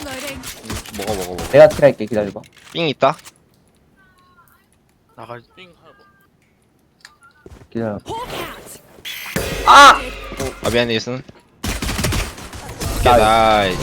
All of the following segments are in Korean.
먹어. 내가 킬할게. 기다려봐. 삥 있다. 나갈 기다려. 아 미안해 예순. 오케이 나이스.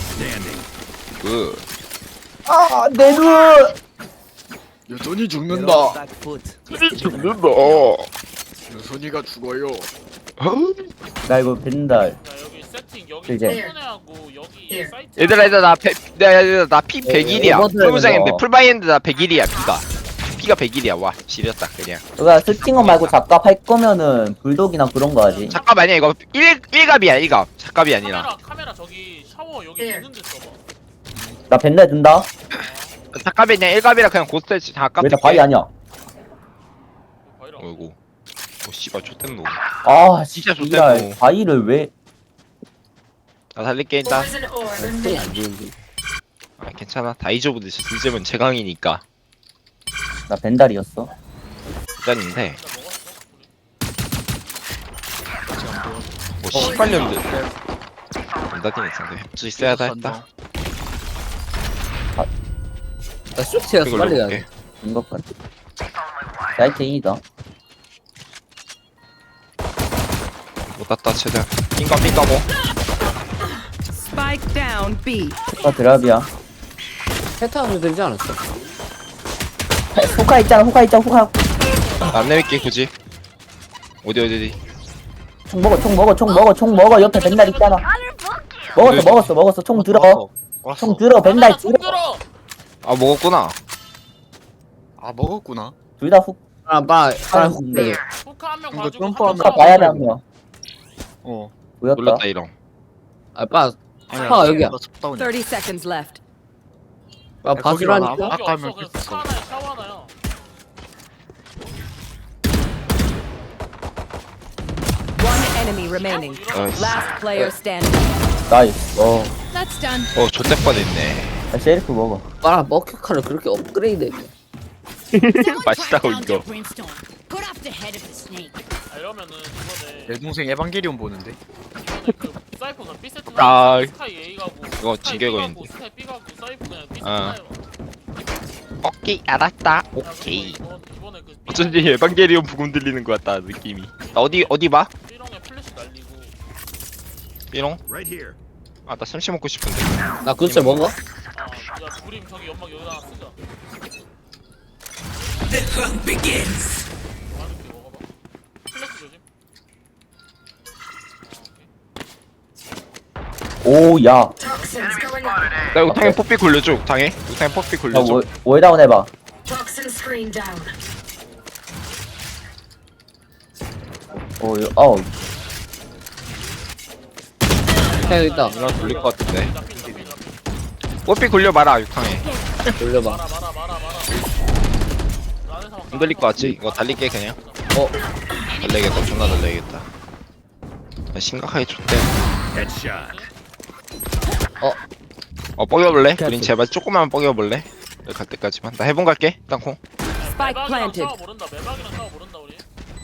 굿. 아, 내 눈! 여선이 죽는다. 죽는다. 여선이가 죽어요. 나 이거 벤달. 야 여기 세팅 여기 이제. 풀분해하고 여기 사이트 얘들아 나피 100일이야. 풀무장인데 풀바이인데 나 100일이야 피가 100일이야. 와 지렸다 그냥. 너가 스팅어 말고 작갑 할 거면은 불독이나 그런 거 하지. 작갑 아니야 이거 1갑이야 1갑. 작갑이 아니라. 카메라 저기 샤워 여기 있는 데 써봐. 나 벤달 든다? 작갑이 그냥 1갑이라 그냥 고스트 작갑. 왜 나 바위 아니야? 바이라. 어이구. 오 씨발 좆된 놈. 아, 진짜 씨발, 좋댔노. 바위를 왜? 나 살릴게 일단. 소리 안 들리는데. 아 괜찮아. 다 잊어보듯이 진짜면 제강이니까. 나 벤달이었어. 일단인데. 먹었어. 뭐 씨발년들. 남다팀 있었는데 협조 있어야 했다. 나 쇼트였어. 이걸로 빨리 볼게. 가야 인것 같아. 사이트 A다. 못 땄다 최대한. 삥까 뭐. Spike down B. 소카 드랍이야. 패턴을 들지 않았어. 호카 있잖아, 호카. 안 내밀게 굳이. 어디. 총 먹어. 옆에 벤달 있잖아. 먹었어. 총 들어. 총 들어, 벤달 카메라 손 들어. 들어. 아 먹었구나. 아 먹었구나. 둘 다 훅, 빨리 네. 후카 한명 이거 봐주고 점프하면 호카 봐야 돼, 한 명. 어. 보였다. 놀랐다 이런. 빨리. 아니야. 아, 여기야. 나 쳤다운이야. 30 seconds left. 봐주라니까. 거기 아까 없어. 하면 그냥 킬했어. 스카 하나에 샤워 하나야. One enemy remaining. 나이스. Last player standing. 나이스. That's done. 좆대 뻔했네. 나 셰리프 먹어. 빨아 머큐카를 그렇게 업그레이드. 맛있다고 이거. Cut off the head of the snake. 아, 이러면은 이번에 내 동생 에반게리온 보는데. 그 사이퍼는 B 세트 아, 스카이 A 가고 이거 스카이 진격어인데. B 가고 스카이 B 가고 사이퍼 그냥 B 세트 아. 타요. 오케이 알았다. 야, 오케이. 그리고 이번에 그 어쩐지 에반게리온 부금 들리는 것 같다 느낌이. 나 어디 봐? B롱에 플래시 날리고 삐롱? 아나 삼시 먹고 싶은데. 나 그치 먹어? 야 우림 저기 연막 여기다 하나 쓰자. 맛있게 먹어봐. 플래시 조심. 오, 야. Toxins going up. 나 이거 탕에 뽀삐 굴려줘. 탕에 뽀삐 야, 굴려줘. 월다운 해봐. Toxin screen down. 어우. 해 있다. 이런 돌릴 것 같은데. 뽀삐 굴려봐라 육탕에. 돌려봐. 말아. 안 들릴 것 같지? 이거 달릴게 그냥. 달래겠다. 존나 달래겠다. 야, 심각하게 좋대. 뻐겨볼래? 우린 제발 조금만 뻐겨볼래? 여기 갈 때까지만. 나 해본 갈게. 땅콩. Spike planted. 샤워 모른다. 매박이랑 샤워 모른다 우리.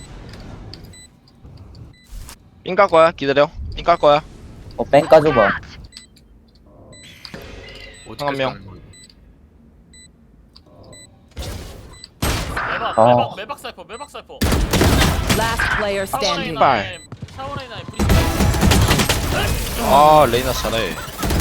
삥 깔 거야. 기다려. 삥 깔 거야. 뺑 까줘봐. 한 명. 매박 사이퍼. Last player standing. 씨발. 샤워레이나에 브리. 아 레이나 잘해.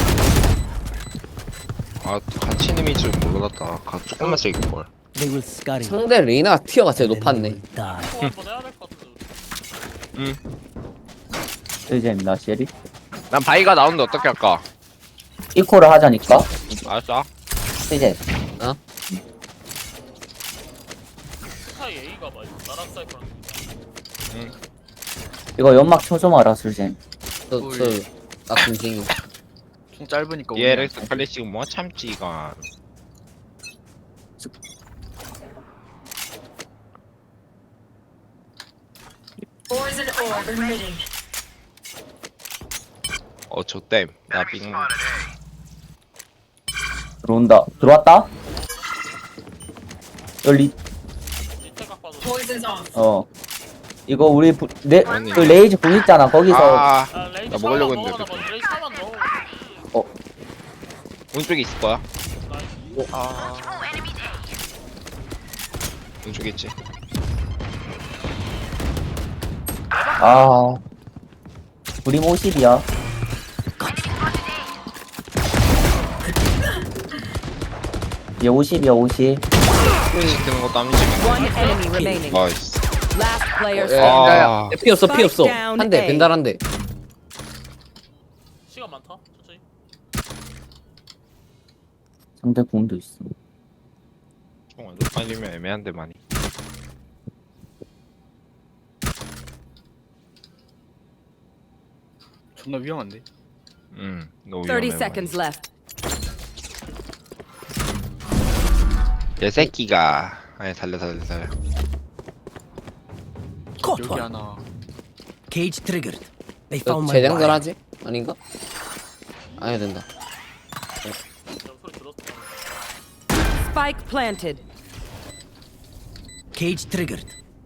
아 같이 이름이 줄 몰랐다. 조금만 세게 걸. 상대 레이나 티어가 제일 높았네. 한번 해야 될 것 같은데. 우리. 이제 나 셰리. 난 바이가 나오는데 어떻게 할까? 이코를 하자니까. 알았어. 이제 스카이 A가 막 나랑 사이퍼랑. 이거 연막 쳐줘 마라, 술잼. 나 군생이. 총 짧으니까. ELX 클래식 뭐 참지가. Poison orb emitting. 좆댐. 나 삥. 들어온다. 들어왔다? 열리, 밑에 각 봐도. Poison's off. 이거 우리, 아니. 그 레이즈 공 있잖아. 거기서. 아, 레이지 나 먹으려고 샤워만 했는데. 넣어, 나 먼저 레이지 샤워만 넣어. 오른쪽에 있을 거야. 아 오른쪽에 있지. 아 우리 50이야. 얘 50이야 50. 플래시 뜨는 것도 안 움직이네. One enemy remaining. 나이스. Last player 야, standing. 야, 야. 아. 피 없어 피 없어. Spike down 한 대 A. 벤달 한 대. 시간 많다. 천천히. 상대 공도 있어. 아니면 애매한데 많이. 존나 위험한데. 너무 30 위험해. seconds left. 내 새끼가. 아니 달려. 여기 하나. Cage triggered. They 너 found my 재장전 wire. 하지? 아닌가? 안 해도 된다. 저 소리 들었어. Spike planted. Cage triggered.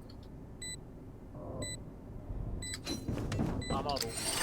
아마도.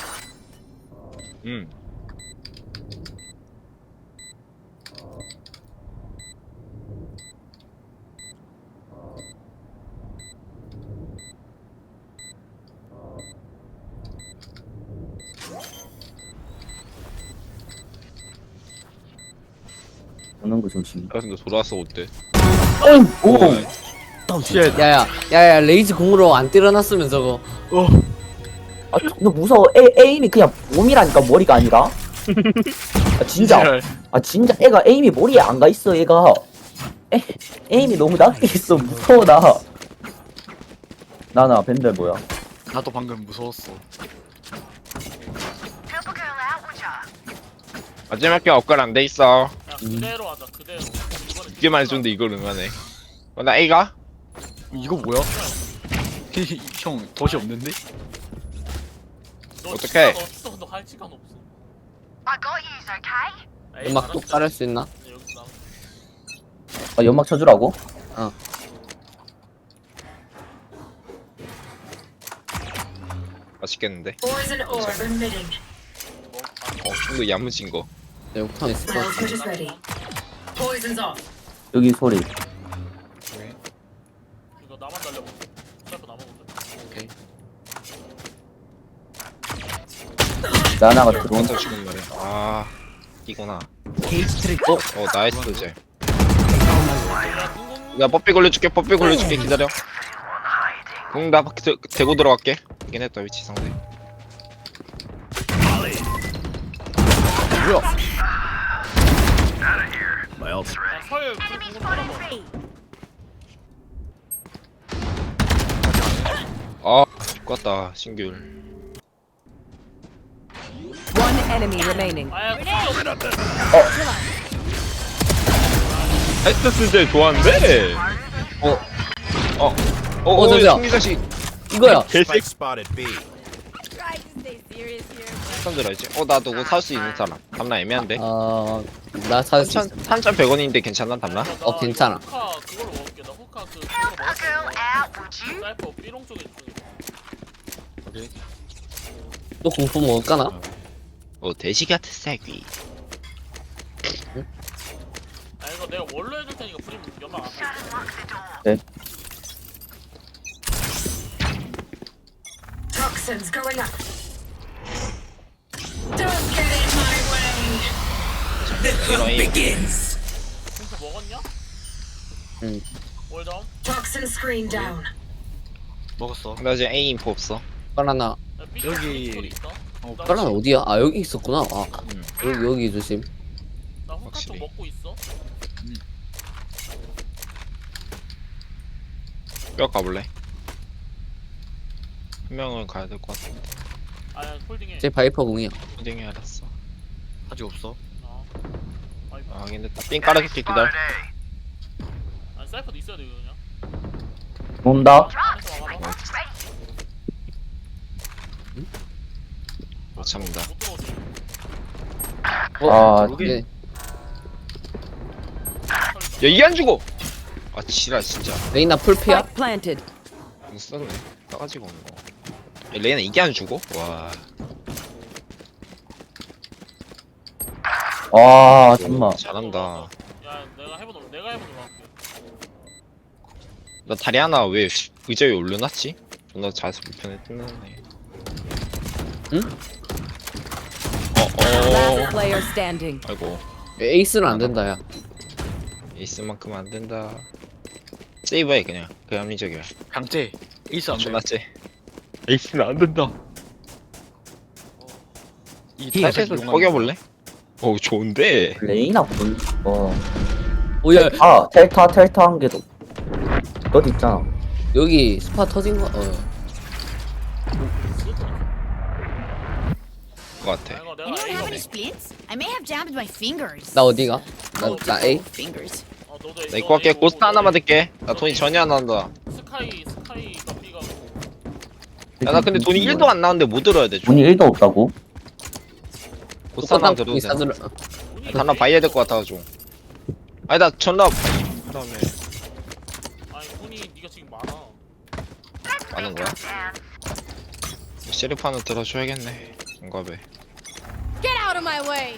오는 거 조심. 야 근데 돌아왔어 어때? 오. Don't 야야 레이즈 공으로 안 때려놨으면 저거. 아 존나 무서워. 에임이 그냥 몸이라니까 머리가 아니라. 아 진짜. 아 진짜 애가 에임이 머리에 안 가 있어 얘가. 에임이 너무 낮게 있어. 무서워 나. 나나 벤달 뭐야? 나도 방금 무서웠어. 마지막 게 업글 안 돼 있어. 야 그대로 하자. 그대로. 이번에 이게 말해줬는데 이걸 응하네. 나 A가? 이거 뭐야? 형 덫이 없는데? 너 어떡해? 시간 없어. 너 할 시간 없어. 음악 뚝 깔을 수 있나? 여기서 나와. 아 연막 쳐주라고? 맛있겠는데? Poison orb emitting. 좀 더 야무진 거. 내 욕탕 있을 것 같아. Velvet is ready. Poison's off. 여기 소리. 이거 나만 달려보. 스나이퍼 나만 보자. 오케이. 나나가 들어온. 혼자 죽은 거래. 아, 이구나. Cage triggered. 나이스 이제. 야, 뽀삐 걸려줄게. 기다려. 나 대고 들어갈게. 이긴 했다 위치 상대. 야, 설 불공으로 끌어봐. 아, 죽겠다 신귤. One enemy remaining. 아야, 설 없다. 나이스 진짜 좋아하는데. 저기야. 총기자식. 이거야. 개새끼. spotted B. 사람 들어야지. 나 누구 살 수 있는 사람. 담나 애매한데. 나 찾을 수 있어. 3,100원인데 괜찮나 담나? 괜찮아. 호카 그걸로 먹을게. 나 호카 그거 먹었어. 사이퍼 삐롱 쪽에 있어. 또 공포 먹을까나? 돼지 같은 새끼. 아 이거 내가 원로 해줄 테니까 프림 연락 안 해. 네. Toxins going up. Don't get in my way. 공포 먹었냐? 응. 월다운? Toxin screen down. 먹었어. 나 지금 A 인포 없어. 바나나. 야, 삐 여기- 소리 있다. 나 바나나 어디야? 아 여기 있었구나. 아 여기 조심. 나 호카 쪽 확실히. 먹고 있어. 뼈 가볼래? 한 명은 가야 될 것 같은데. 아야 홀딩해. 제 바이퍼 공이야. 호딩이 알았어. 아직 없어. 아이고. 아 확인됐다. 삥 깔아줄게 기다려. 아니 사이퍼도 있어야 돼 이거 그냥. 온다. 안에서 와봐. 못 참는다. 못 들어오지. 아 네. 야 이게 안 죽어. 아 지랄 진짜. 레이나 풀피야? Spike planted. 못 썼네. 싸가지고 없는 거. 야, 레이나 이게 안 죽어? 와. 아 잠깐만. 잘한다. 야 내가 해보는 거 할게. 나 다리 하나 왜 의자 위에 올려놨지? 존나 잘해서 불편해 뜯네. Last player standing. 아이고 에이스는 안 된다 야. 에이스만큼 안 된다. 세이브해 그냥. 그 합리적이야. 강제 에이스 안 돼. 존나 쎄. 에이스는 안 된다. 이 사이트에서 뻐겨볼래? 오 좋은데. 레이나 본. 오야 텔타 한 개도. 너 있잖아. 여기 스파 터진 거. 것 같아. 이거 내가 Anyone A have any splints? I may have jammed my fingers. 나 어디가? 나 A. Fingers. 너도 나 이거 할게. 고스트 하나만 댈게. 나 돈이 전혀 안 나온다. 스카이가 B가 야 나 근데 돈이 1도 안 나오는데 뭐 들어야 돼? 돈이 1도 없다고? 고스트 하나 들어도 돼. 사줄. 하나 봐야 될 것 같아가지고. 아니 나 전화 그다음에 아니 돈이 네가 지금 많아. 많은 거야? 셰리프 하나 들어줘야겠네. 정갑에. Get out of my way.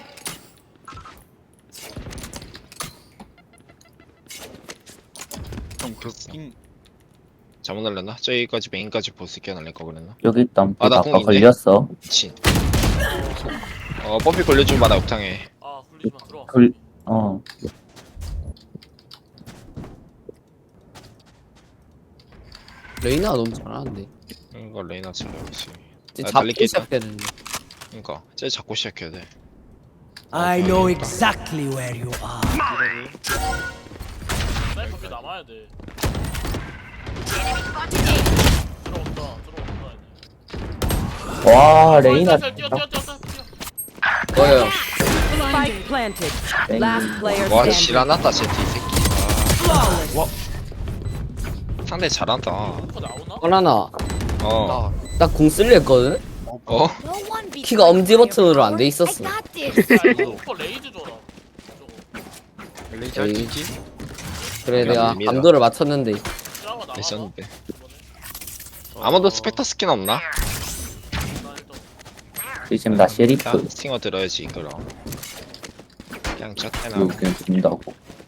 형 그킹 잘못 날렸나? 저기까지 메인까지 보스 끼워 날릴 거 그랬나? 여기 있다. 아, 나 아까 공 있네. 걸렸어. 미친. 펌피 걸려주면 마나 욕탕해. 아 굴리지마 들어와. 어. 레이나가 너무 잘하는데. 이거 레이나 잘해야지. 이제 나 잡기 달릴게 있다. 시작해야 되는데. 그니까 쟤 잡고 시작해야 돼. I know exactly where you are. 사이퍼 꽤 남아야 돼. 들어온다. 와 레이나. 뛰어. 어여. Spike planted. Last player 와 standing. 지랄났다 쟤 뒤새끼. 와. 상대 잘한다. 슈퍼 나오나? 하나. 어. 나 공 쓸려 했거든. 어? No one beats 키가 my 엄지 버튼으로 안 돼 firepower. 있었어. I got this. 야 이거 슈퍼 레이즈 줘라. 저거. 레이지 할수 있지? 그래 내가 됩니다. 감도를 맞췄는데. 짜가 나가나? 레전드. 이번에? 아무도 스펙터 스킨 없나? 나 일단 지금 나 셰리프. 스팅어 들어야지 그럼. 그냥 쳤대나. 이거 그냥 준다고.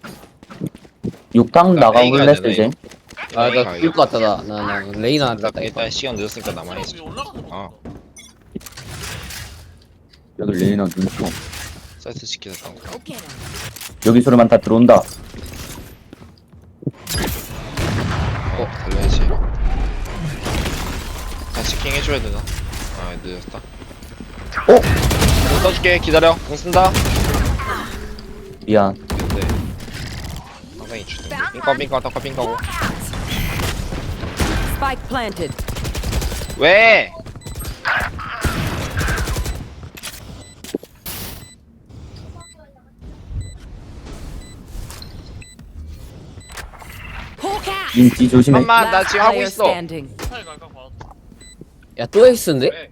6당 나가볼래 쓰지? 아나 죽을 것 같다 나 레이나 나 같다. 일단 시간 늦었으니까 남아야지. 위에 올라가서 먹자. 어. 여기 레이나 눈총. 사이트 지키겠다. Go get him. 여기 소리만 다 들어온다. 달려야지. 다 치킹 해줘야 되나? 아 늦었다. 공 써줄게. 기다려. 공 쓴다. 미안. 근데 상당히 주네. 빙까빙까 덕까빙까고. Spike planted. 왜? Hawk out. 민지 조심해. 잠깐만 나 Last 지금 하고 player 있어. standing. 스카이 갈까 봐. 야또 에이스인데? 왜?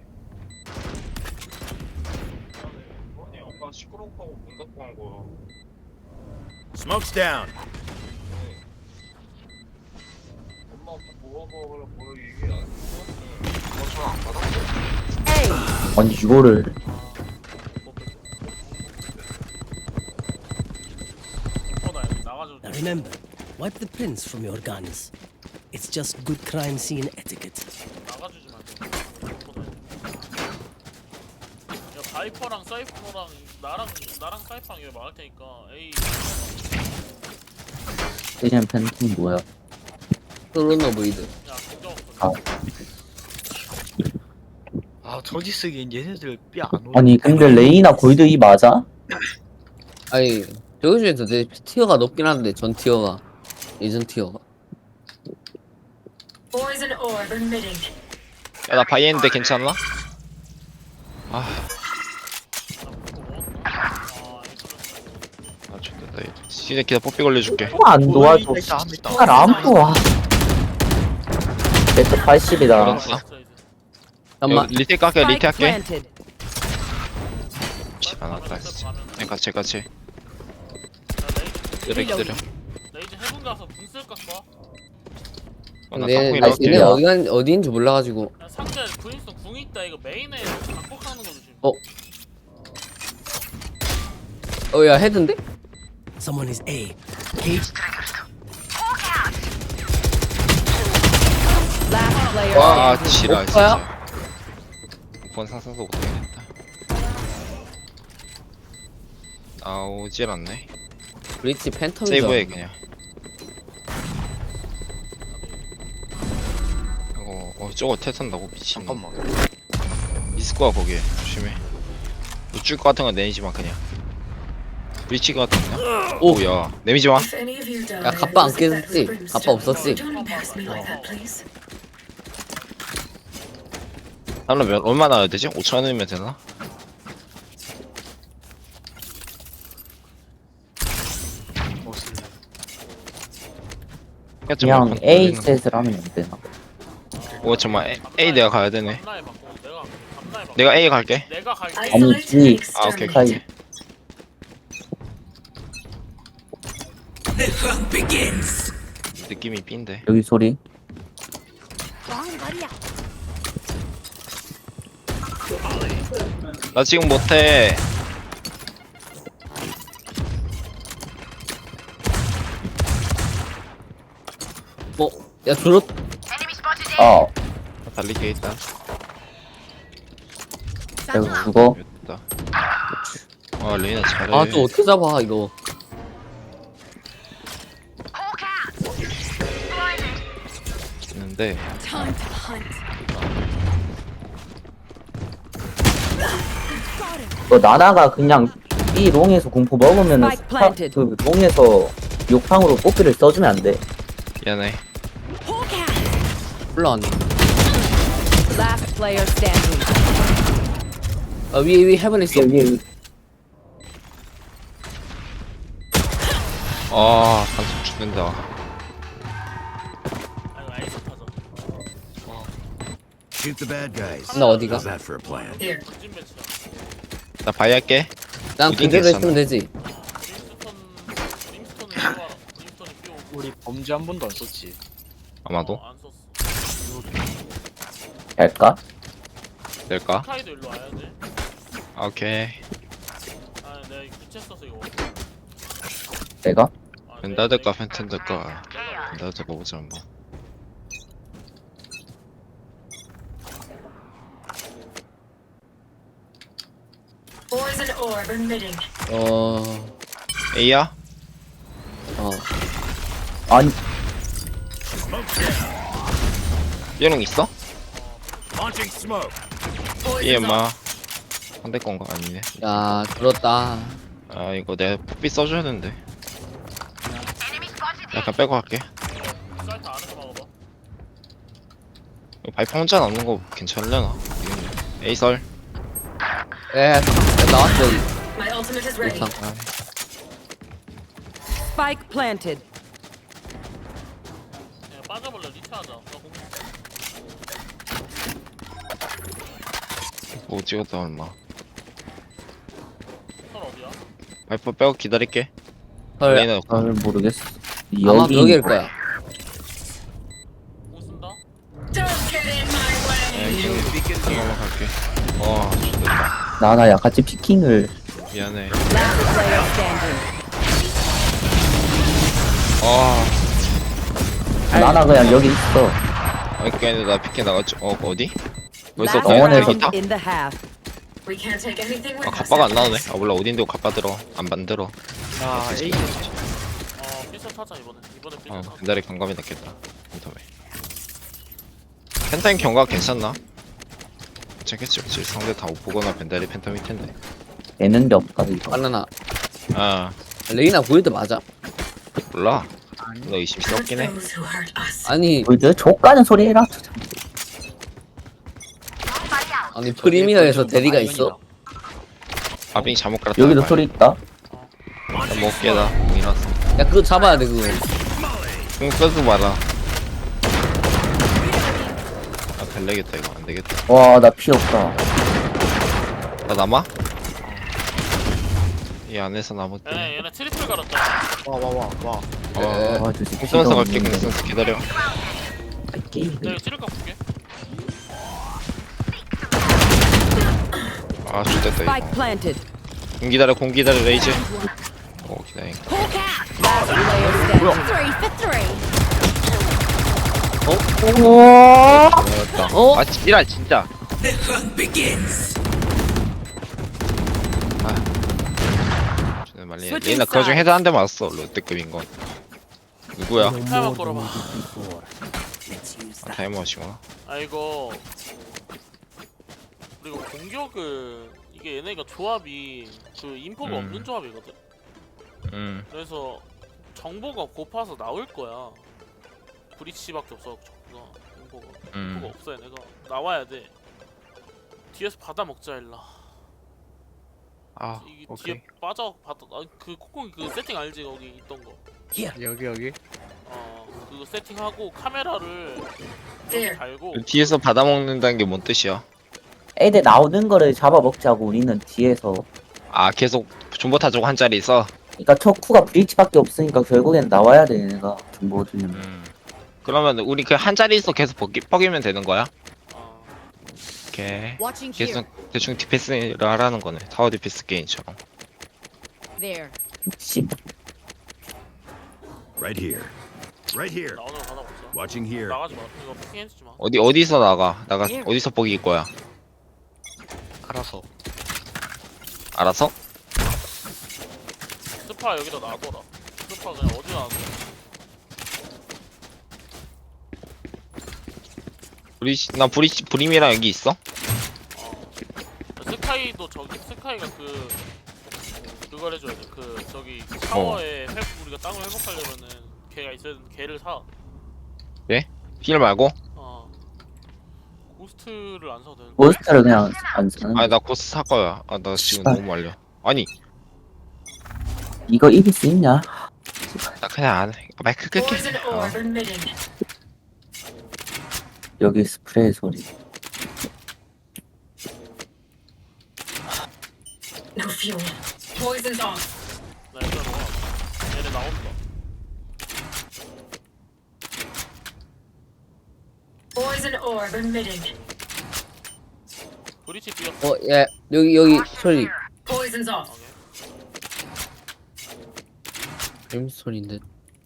아니 아까 시끄럽고 문 닫고 한 거야. Smoke's down. 엄마 아빠 뭐하고 뭐 얘기 안 했어? 전화 안 받았어? A. 아니 이거를. 슈퍼다 여기 나가줘. Now remember, wipe the prints from your guns. It's just good crime scene etiquette. 나가주지 말고. 슈퍼다. 야 바이퍼랑 사이퍼랑 나랑 사이퍼랑 여기 막을 테니까 A. 세션 팬팅 뭐야? 솔로너 보이드. 야 공정 아. 없어. 아 저지 쓰기엔 얘네들 삐안 오네. 아니 근데 레이나 골드 이 맞아? 아니 저기 중에서 내 티어가 높긴 한데 전 티어가 예전 티어가. Poison orb emitting. 야나 바이엔데 괜찮나? 아 좋겠다. 진짜 기다 뽀삐 걸려줄게. 또 안 도와줘. 안 도와. 베트 80이다. 알았어. 잠깐만. 리테이크 할게. Spike 리테이크 할게. planted. 안 왔다 진짜. 같이. 기다려. 레이즈 해군 가서 궁 쓸까 봐. 나 근데 쌍둥이 나 나올게. 얘네 어디인지 몰라가지고. 야 상대 브인스톤 궁 있다 이거 메인에 각복하는 거 조심. 야 헤드인데? Someone is A. Cage. Last player 와 standing. 지랄 오빠야? 진짜 본 상상도 못하겠다. 나오질 않네. 브리치 팬텀이죠. 세이브해 그냥. 저거 탈탄다고 미친. 잠깐만. 있을 거야 거기에. 조심해. 우쭐 것 같은 건 내리지마 그냥. 브리치 같은 거. 오. 오야 내미지 마. If any of you die, 야 갑바 안 it was that 깨졌지? brimstone. 갑바 없었지? Don't embarrass me like that, please. 나는 얼마나 나야 되지? 5,000원이면 되나? 뭐 쓸래? 그냥 A 셋을 하면 안 되나? 오 잠깐만 A 내가 가야 되네. 감나에 맞고 내가 감나에 맞고 내가 A 갈게. 내가 갈게. 아니, Isolate and G. 아 오케이 exterminate. 오케이. 느낌이 B인데. 여기 소리. 나 지금 못해. 야 줄었. 어. 달리게 있다. 여기 죽어. 됐다. 아 레이나 잘해. 아 또 어떻게 잡아 이거. 있는데 Time to hunt. 너 나나가 그냥 B 롱에서 공포 먹으면은 Spike planted. 그 롱에서 욕탕으로 뽑기를 써주면 안 돼. 미안해. 올라왔네. Last player standing. 아 위에 헤븐 있어. 여기 아 반속 죽는다. 아이고 아이스 타자. Shoot the bad guys. 나 어디가? How's that for a plan? Here. 진 매치야. 나 바이 할게. 난 우린 그대로 괜찮아. 있으면 되지. 림스톤은 좋아. 림스톤이 끼워. 우리 범죄 한 번도 안 썼지. 아마도 안 썼어. 할까? 될까? 카이도 일로 와야 돼. 아, 오케이. 아 내가 이거 부채 써서 이거. 내가? 아, 벤다 될까 팬텀 될까? 벤다 될까 보자 한번. Poison orb emitting. A야? 아니 얘는 있어? Launching smoke. 얘 마. 상대 건가 아니네. 야 들었다. 아 이거 내가 삐 써줘야 되는데. 약간 빼고 갈게. 사이트 안에서 막아봐. 이거 바이퍼 혼자 남는 거 괜찮으려나? A 설. 야 나왔어 여기. My ultimate is ready. 욕탕. Spike planted. 그냥 빠져볼래 리트하자. 나 공. 뭐 찍었다 얼마. 선 어디야? 바이퍼 빼고 기다릴게. 헐. 레이나 잘 모르겠어. 아마 여기 여기일 거야. 공 쓴다. Don't get in my way. 잠깐만 갈게. 와 좋겠다. 나나야 같이 피킹을 미안해. Last player standing. 나나 그냥 여기 있어. 아니 그게 아니라 나 피켓 나갔죠. 어디? 벌써 Last 병원에서 round 있다? in the half. We can't take anything with 아 us. 갑바가 안 나오네. 아 몰라 어딘데 갑바 들어. 안 만들어. 나 A. 삐셋 타자 이번에. 이번에 삐셋 아 타자. 벤달이 감감이 낫겠다. 펜텀에. 펜타임 경과 괜찮나? 괜찮겠지. 그치? 상대 다 못 보거나 벤달이 펜텀일 텐데. 되는 게 없다 이거. 바나나. 아 레이나 보일때 맞아? 몰라. 너 의심이 Hurt 없긴 해. those who hurt us. 아니 뭐지? 족가는 소리 해라. 아니 프리미어에서 대리가 있어? 아빙 잘못 깔았다. 여기도 소리 있다. 나 먹게 나. 이났어. 야 그거 잡아야 돼 그거. 응 써도 말아. 아 별내겠다 이거 안 되겠다. 와 나 피 없다. 나 남아? 이 안에서 남았대. 얘네 트리플 갈았다. 와. 네. 와 진짜 공선수 갈게 공선수 기다려. 게임. 내가 찌를까 볼게. 아 좋됐다 이거. Spike planted. 공 기다려 레이즈. 오 기다려. Hulk out. Last player standing. For three. 어렵다. 어? 아 지랄 진짜. 아. 말리. Switching 레이나 그중 sides. 헤드 한 대 맞았어 롯데급인 건. 누구야? No 타이머 more than 걸어봐. we did before. Let's use that. 타이머시구나. 아 이거 그리고 공격은 이게 얘네가 조합이 그 인포가 없는 조합이거든. 그래서 정보가 고파서 나올 거야. 브리치밖에 없어 정보가. 인포가 없어 얘네가. 나와야 돼. 뒤에서 받아 먹자 일라. 아 이게 오케이. 뒤에 빠져 받아. 그 콧구멍 그 세팅 알지 거기 있던 거. 여기 그거 세팅하고 카메라를 여기 There. 달고. 뒤에서 받아 먹는다는 게 뭔 뜻이야? 애들 나오는 거를 잡아먹자고 우리는 뒤에서. 아 계속 존버 타족 한 자리 있어. 그러니까 척후가 브리치밖에 없으니까 결국엔 나와야 돼 얘네가 정보 주려면. 그러면 우리 그 한 자리 있어 계속 뻐기면 되는 거야? 어, 오케이. Watching here. 계속 대충 디펜스를 하라는 거네. 타워 디펜스 게임처럼. There. 씨. Right here. Right here. 나오는 거 받아 먹자. Watching here. 나가지 마. 이거 피킹 해주지 마. 어디서 나가? 어디서 뻐길 거야? 알아서. 알아서? 스파 여기다 놔둬라. 스파 그냥 어디 놔둬. 브림이랑 여기 있어? 스카이도 저기 스카이가 그걸 해줘야 돼. 그 저기 타워에 우리가 땅을 회복하려면은 걔가 있어야 되는데 걔를 사. 힐 말고? 고스트를 안 사도 되는 거야. 몬스터를 그냥 안 사는. 아니 나 코스 살 거야. 아 나 지금 씨발. 너무 말려. 아니 이거 이길 수 있냐? 나 그냥 안 해. 마이크 끌게. Poison orb emitting. 여기 스프레이 소리. No fuel. Poison's off. 나 일단 와. 얘네 나온다. Poison orb emitting. 브리치 뛰었어. 야 여기 소리. Poison's off. 뱀 소리인데.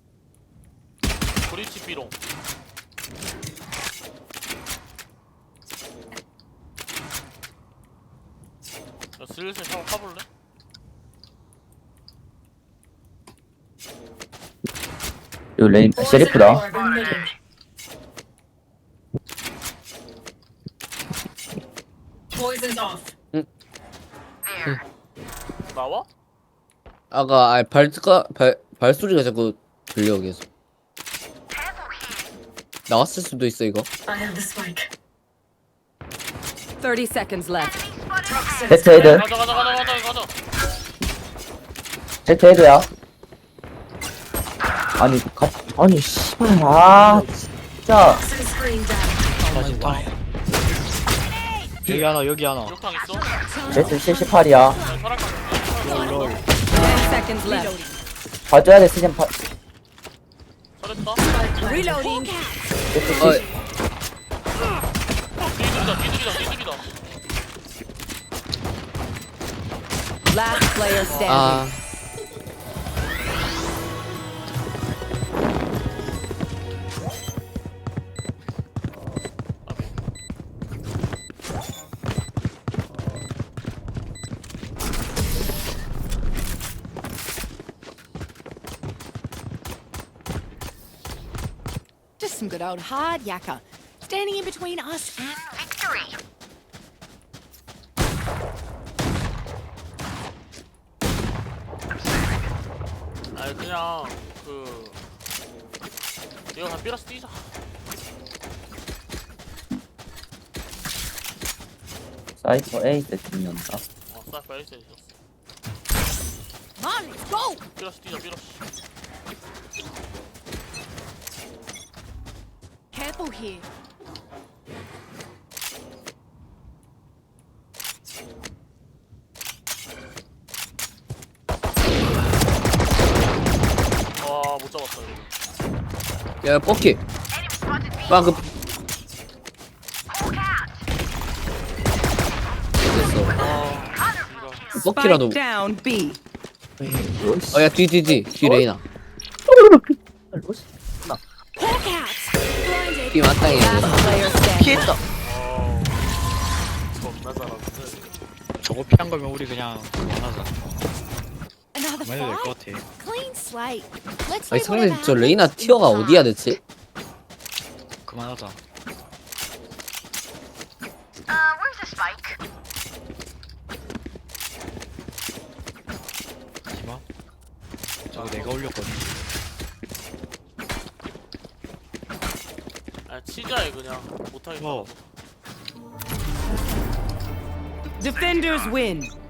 브리치 비롱. 야, 슬슬 샤워 파볼래? 요 레인 Poison 셰리프다. orb emitting. Poison's off. 나와? 아까 발소리가 자꾸 들려 계속. 나왔을 수도 있어 이거. I have the spike. 30 seconds left. Toxins. 제트 헤드. 가자. 제트 헤드야. 아니 씨발 진짜. Toxin screen down. 여기 하나. 욕탕 있어? 제트 78이야. 설악강. 10 seconds left. 봐줘야 돼 시즌 파. 설했다. Reloading. 제트 어, 70. 뒤들이다. Last player standing. 아 Just some good old hard yakka. Standing in between us and victory. 아니 그냥 이거 다 삐라스 뛰자. 사이퍼 A 세팅 연다. 사이퍼 에이스 있었어. Come on, let's go. 삐라스 뛰자. Careful here. 못 잡았어 이거. 야 뻑키. 방금 됐어. 먹기라도. Spike down B. 야, 뒤 레이나. Hawk out. Blinded. 뒤 마땅해. Last player standing. 피했다. 겁나 잘하는데. 저거 피한 거면 우리 그냥 그만하자. Another 그만해도 될 fight. 것 같아. Clean slate. Let's 아니 leave 상대 whatever 저 happened 레이나 to the 티어가 past. 어디야 대체? 그만하자. 하지마. 저거 내가 올렸거든. 아 치자해 그냥 못하겠다. 어. Defenders win.